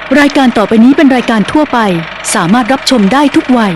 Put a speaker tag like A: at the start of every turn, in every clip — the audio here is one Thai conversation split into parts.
A: รายการต่อไปนี้เป็นรายการทั่วไปสามารถรับชมได้ทุกวัย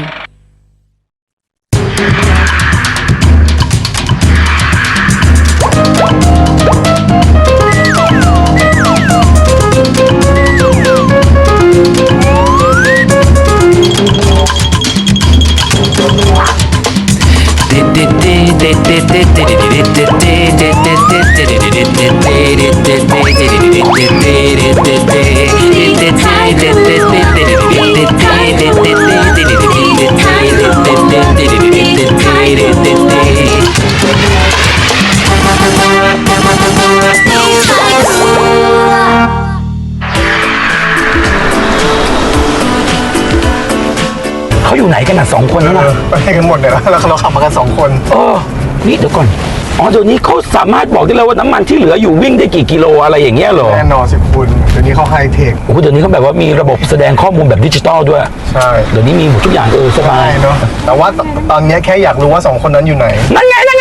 B: เขาอยู่ไหนกันน่ะ2 คนแล้วนะ
C: ไปให้กันหมดเลยแล้วเราขับมากัน2 คน
B: นี่เดี๋ยวก่อนเดี๋ยวนี้เขาสามารถบอกได้แล้วว่าน้ำมันที่เหลืออยู่วิ่งได้กี่กิโลอะไรอย่างเงี้ยเหรอ
C: แน่นอนสิคุณเดี๋ยวนี้เขาไฮเทค
B: โอ้โหเดี๋ยวนี้เขาแบบว่ามีระบบแสดงข้อมูลแบบดิจิตอลด้วย
C: ใช่
B: เดี๋ยวนี้มีหมดทุกอย่างสบาย
C: เนาะแต่ว่าตอนนี้แค่อยากรู้ว่า2 คนนั้นอยู่ไหน
B: นั่นไง
C: ไหน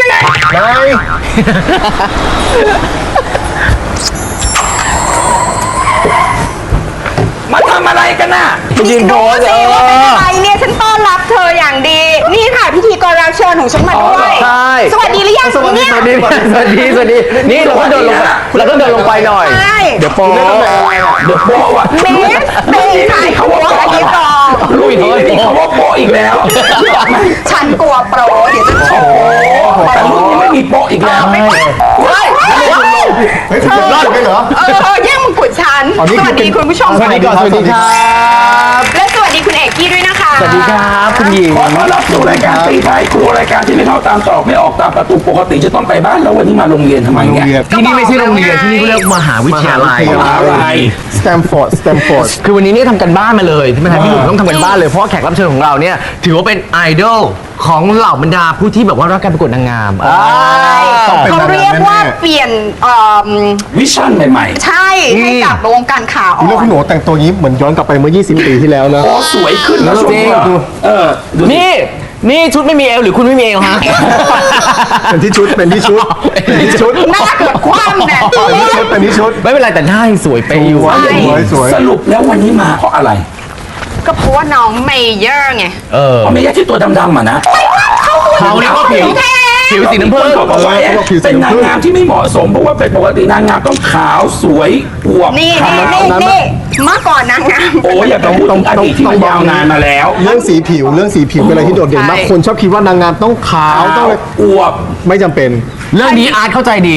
B: มาทำอะไรกันน่ะ
D: ยืนโพสสิว่าเป็นอะไรเนี่ยฉันต้อนรับเธออย่างดีนี่ค่ะพิธีกรรับเชิญของฉันมาด้วย
E: ใช่
D: สวัสดีหรือยังเนี่ย
E: สวัสดีนี่เราต้องเดินลงไปหน่อยเดี๋ยวโป๊
B: ว่ะ
D: เมย์ถ่ายเขาว่าอันนี้รอ
B: ลุยนี่เขาว่าโป๊อีกแล้ว
D: ฉันกลัวโปรเดี๋ยวจะโชว์
B: แต่รุ่นนี้ไม่มีโป๊อีกแล้ว
C: เฮ้ยคุณรอดไปเหรอ
D: แย่งมงกุฎฉันสวัสดีคุณผู้ชม
E: สวัสดีครับ
D: และสวัสดีคุณเอกกี้ด้วยนะคะ
E: สวัสดีครับคุณหญิง
B: ขอต้อนรับสู่รายการตีท้ายครัวรายการที่ไม่เข้าตามตอกไม่ออกตามประตูปกติจะต้องไปบ้านแล้ววันนี้มาโรงเรียนทำไมเนี่ย
E: ที่นี่ไม่ใช่โรงเรียนที่นี่เขาเรียกมหาวิทยาลัย
C: สแตมฟอร์ด
E: คือวันนี้เนี่ยทำกันบ้านมาเลยที่มาทำพี่หนุ่มต้องทำกันบ้านเลยเพราะแขกรับเชิญของเราเนี่ยถือว่าเป็นไอดอลของเหล่าบรรดาผู้ที่แบบว่ารักการประกวดนางงาม
D: เขาเรียกว่าเปลี่ยน
B: วิชั่นใหม่
D: ๆใช่ให้กับวงการข่าว
C: เรื่องคุณหนูแต่งตัวนี้เหมือนย้อนกลับไปเมื่อ20 ปีที่แล้วนะ
B: สวยขึ้นนะจริง
E: นี่ชุดไม่มีเอวหรือคุณไม่มีเอวฮะ
C: เป็นที่ชุด
D: หน้าเกือบคว่ำเนี่ย
C: เป็นที่ชุด
E: ไม่เป็นไรแต่หน้ายังสวยไปอยู่
C: สวย
B: สรุปแล้ววันนี้มาเพราะอะไร
D: ก็เพราะว่าน้องเมเยอร์ไง
B: เมเยอร์ที่ตัวดำๆอ่ะนะ
E: เขาเรียกว่าผิวสีน้ำผึ้ง
B: เขาบอกว่าเป็นนางงามที่ไม่เหมาะสมเพราะว่าเป็นปกตินางงามต้องขาวสวยอวบ
D: นี่เมื่อก่อนนางงาม
B: อย่าไปพูดอดีตที่มันยาวนานมาแล้ว
C: เรื่องสีผิวเป็นอะไรที่โดดเด่นมากคนชอบคิดว่านางงามต้องขาวต้อง
B: อวบ
C: ไม่จำเป็น
E: เรื่องนี้อาร์ตเข้าใจดี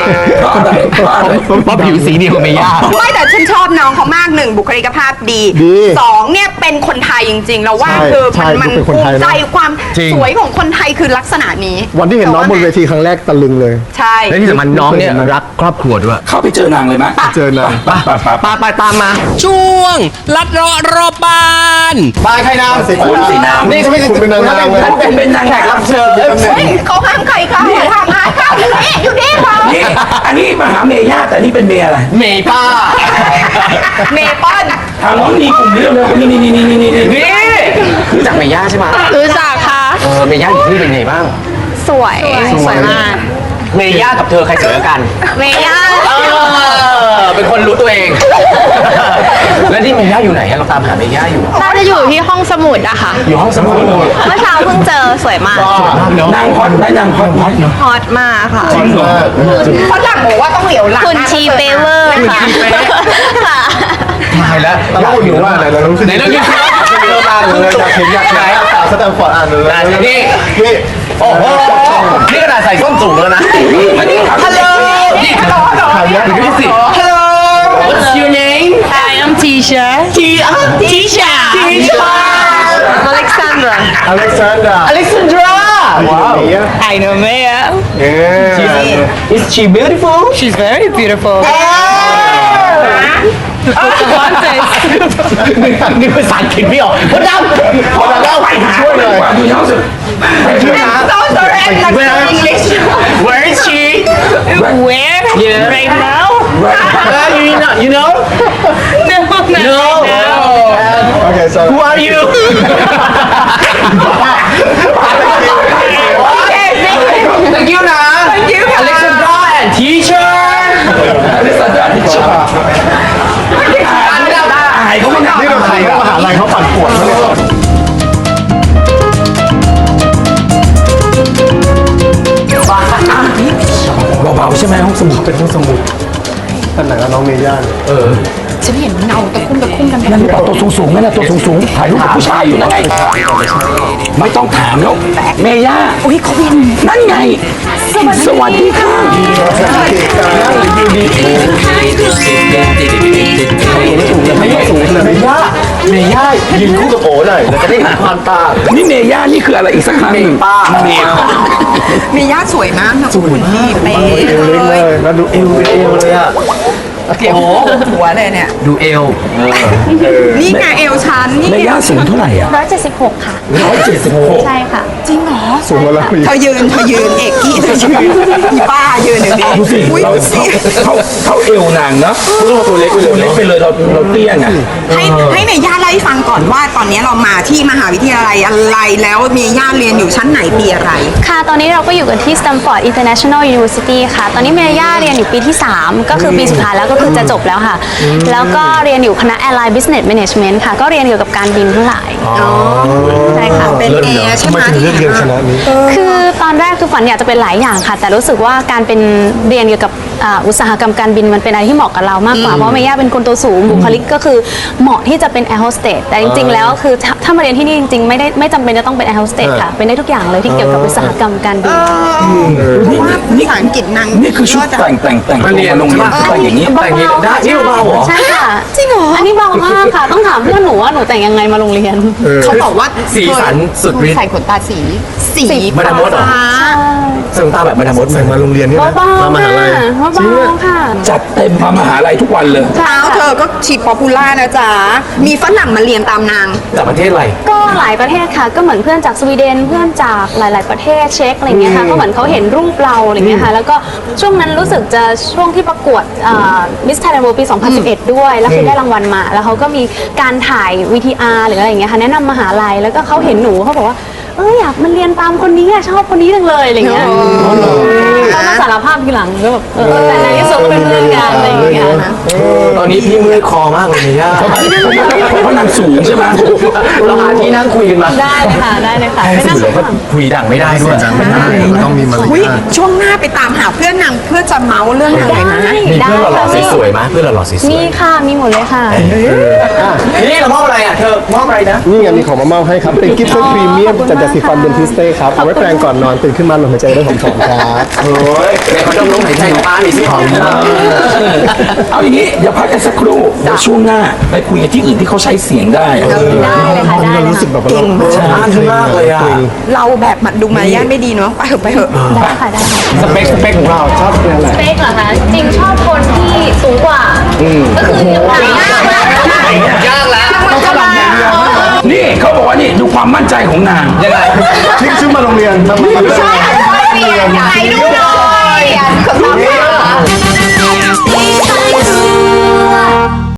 E: เพราะผิวสีเดียวไม่ยาก
D: ไม่แต่ฉันชอบน้องเขามาก1บุคลิกภาพดี2เนี่ยเป็นคนไทยจริงๆเราว่าคือมันภูมิใจความสวยของคนไทยคือลักษณะนี้
C: วันที่เห็นน้องบนเวทีครั้งแรกตะลึงเลย
D: ใช่
E: และที่สำคัญน้องเนี่ยรักครอบครัวด้วย
B: เข้าไปเจอนางเลยไหม
C: เจอนาง
E: ไปตามมา
F: ช่วงลัดเลาะรอบบ้าน
C: ไปใครนาง
B: คุณสินาง
C: นี่เขาไม่คุณเป็นนางงาม
B: ท่านเป็นนางแขกรับเชิญ
D: เขาห้ามใครเข้าห้ามหาเข้าอยู่นี่ค่ะ
B: นี่อันนี้มหาเมย่าแต่นี่เป็นเมย์อะไร
E: เมย์ป้า
D: เมย์ป้อน
B: ทางน้องมีกลุ่มนี้เลยนี่
E: รู้จักเมย่าใช่ไหม
D: รู้จักค่ะ
E: เมย่าอยู่ที่เป็นไงบ้าง
D: สวยมาก
E: เมย่ากับเธอใครสวยกัน
D: เมย่า
E: เป็นคนรู้ตัวเองแล้วที่เมย่าอยู่ไหนเราตามหาเมย่าอยู่
D: น่าจะอยู่ที่ห้องสมุดอะค่ะ
E: อยู่ห้องสมุด
D: เมื่อเช้าเพิ่งเจอสวยมาก
B: นางฮอตได้นางฮอตเนาะ
D: ฮอตมากค่ะ
C: เพราะ
D: หลังบอกว่าต้องเหลียวหลัง
G: คุณชีเปเวอร์
D: ค่ะ
E: ตายแล้ว
C: ตลกอยู่ว่าไหนเรารู้สึก
E: ไหนเราคิด
C: ว่าเลยอยากเห็นสแตมฟอร์ดอ่านเลย
E: นี่โอ้โหนี่ขนาดใส่ส้นสูงแล้วนะ
D: ฮัลโหล
E: นี่ฮัลโหลดูสิ
D: Hello
E: What's your name
G: I am Tisha
D: Tisha
E: Alexandra
C: Wow
G: I know Maya
E: Is she beautiful
G: She's very beautiful
E: นี่ภาษาอังกฤษไม่ออกพอดำ
B: ไปช่วยเลยดูน้องสิ
D: I'm so sorry I'm not English
E: Where is she
G: Where
E: Yeah
G: Right now
E: You know
G: No
C: Okay so
E: Who are you Thank you นะ
D: Thank you
E: Alexandra and teacher
B: Alexandra teacher
C: แต่ไหนแล้วน้องเมย่าเนี่ย
D: ฉันเห็นเงาตะคุ่มกัน
B: นั่นหรือเปล่าตัวสูงๆนั่นน่ะตัวสูงๆถ่ายรูปกับผู้ชายอยู่นั่นไงไม่ต้องถามแล้วเมย่า
D: อุ้ยเขาเป็น
B: นั่นไง สวัสดีค่ะ
E: ไม่สูงเลยเมย่ายืนคู่กับโอหน่อยเราจะได้เห็นความต่าง
B: นี่เมย่านี่คืออะไรอีกสักครั้งหนึ่ง
E: ป้า
B: เมย่า
D: เมย่าสวยมากนะคุณพี่เป๊ะ
C: เอวเล็กเลยแล้วดูเอว
E: เอวเลยอ่ะ
D: เกี่ยวหัวเลยเนี่ย
E: ดูเอว
D: นี่ไงเอวชันนี่
B: เมย่าสูงเท่าไหร่อ่ะ
H: 176 ค่ะ
B: 176
H: ใช่ค่ะ
D: จริงเหรอ
C: สูงกว่าเราอีก
D: เธอยืนเอกกี้เธอยืนอีป้ายืนอย่างนี้
B: ดูสิ
D: อุ้ย
B: เรา
D: ดูสิ
B: เข้าเอวนางเนาะตัวเล็กไปเลยเราเตี้ยไง
D: ให้เมย่าเล่าให้ฟังก่อนว่าตอนนี้เรามาที่มหาวิทยาลัยอะไรแล้วเมย่าเรียนอยู่ชั้นไหนปีอะไร
H: ค่ะ ตอนนี้เราก็อยู่กันที่ Stanford International University ค่ะ ตอนนี้เมย่าเรียนอยู่ปีที่ 3 ก็คือปีสุดท้ายแล้วก็คือจะจบแล้วค่ะ แล้วก็เรียนอยู่คณะ Airline Business Management ค่ะ ก็เรียนเกี่ยวกับการบินทั้งหลายใช่ค่ะ
D: เป็นแอร์ใช่ไหม
C: ถึงเลือกเรียนคณะนี้
H: คือตอนแรกคือฝันอยากจะเป็นหลายอย่างค่ะ แต่รู้สึกว่าการเป็นเรียนเกี่ยวกับอุตสาหกรรมการบินมันเป็นอะไรที่เหมาะกับเรามากกว่า เพราะเมย่าเป็นคนตัวสูงบุคลิกก็คือเหมาะที่จะเป็นแอร์โฮสเตสแต่จริงๆแล้วคือถ้ามาเรียนที่นี่จริงๆไม่จำเป็นจะต้องเป็นแอร์โฮสเตสค่ะเป็นได้ทุกอย่างเลยที่เกี่ยวกับอุตสาหกรรมการบิน
D: เพราะว่าภาษาอังกฤษนาง
B: นี่คือชุดแต่งตัวมาโรงเรียนแต่งอย่างนี้
E: แต่งอย่างนี้ได้นี่เบาเหรอ
H: ใช่ค่ะจริงเหรออันนี้เบามากค่ะ ต้องถามเพื่อนหนูว่าหนูแต่งยังไงมาโรงเรียน
D: เขาบอกว่า
E: สีสันสุดฤทธิ์
D: ใส่ขนตาสี
E: มาดามมดเหรอ
D: ฟ้า
E: ใส่ตาแบบมาดามมด
C: ใส่มาโรงเรียนนี่นะ
H: เบาๆ
C: มามหาลัย
H: ค่ะเบาๆค่ะ
B: จัดเต็มมามหาลัยทุกวันเลย
D: เท้าเธอก็ชีป๊อปปูล่านะจ๊ะมีฝรั่งมาเรียนตามนาง
E: จากประเทศอะไร
H: ก็หลายประเทศค่ะ ก็เหมือนเพื่อนจากสวีเดนเพื่อนจากหลาย ๆประเทศเช็กอะไรเงี้ยค่ะก็เหมือนเขาเห็นรูปเราอะไรเงี้ยค่ะแล้วก็ช่วงนั้นรู้สึกจะช่วงที่ประกวดมิสไทยแลนด์เวิลด์ปี 2011 ด้วยแล้วคือได้รางวัลมาแล้วเขาก็มีการถ่าย VTR หรืออะไรอย่างเงี้ยค่ะแนะนำมหาลัยแล้วก็เขาเห็นหนูเขาบอกว่าอยากมาเรียนตามคนนี้อะชอบคนนี้จังเลยอะไรเงี้ยเขามาสารภาพทีหลังก็แบบแต่ในที่สุดก็เป็นเพื่อนกันอะไรอย่างเงี้ยนะ
E: ตอนนี้พี่เมื่อยคอมากเลยเมย่า
B: เพราะนางสูงใช่ไหม
E: เราหาที่นั่งคุยกันมา
H: ได้เลยค่ะได้เลยค่ะไม่น่า
E: เดี๋ยวก็คุยดังไม่ได้ด้วย
C: จังไม่ได้ต้องมีมาร
D: อุ้ย
C: ยาท
D: ช่วงหน้าไปตามหาเพื่อนนางเพื่อจะเมาส์เรื่องนางเลยนะ
E: มีเพื่อนหล่อๆสวยๆไหมเพื่อนหล่อๆสวย
H: มีค่ะมีหมดเลยค่ะ
E: ๆนี่เรามอบอะไรอ่ะเธอมอบอะไรนะ
C: นี่ไงมีของมามอบให้ครับ เป็นกิฟต์เซตพรีเมียมจากยาสีฟันเดนทิสเต้ครับ เอาไว้แปรงก่อนนอนตื่นขึ้นมาลมหายใจได้หอมๆครับ
E: โอ้ยในเขาต้องลมหายใจของป้านี่สิหอมนะ
B: เอาอย่างนี้เดี๋ยวพักกันสักครู่เดี๋ยวช่วงหน้าไปคุยกันที่อื่นที่เขาใช้เสียงได้อะ
H: ได้เลยค่ะได้
C: เรา
H: เลย
C: รู้สึกแบบว่าเรา
E: อ่านขึ้นมากเลยอ่ะ
D: เราแบบมันดูมารยาทไม่ดีเนาะไปเถอะ
H: ได้ค่ะได้ค่ะ
E: สเปคของเรา
C: ชอบเป็นอะไร
H: สเปคเหรอคะจริงชอบคนที่สูงกว่าก็คืออย่างหนัก
E: ยากแล้ว
B: นี่เขาบอกว่านี่ดูความมั่นใจของนาง
E: ยังไง
C: ชื่อมาโรงเรียนมา
D: ใช่อยากให้ดูหน่อย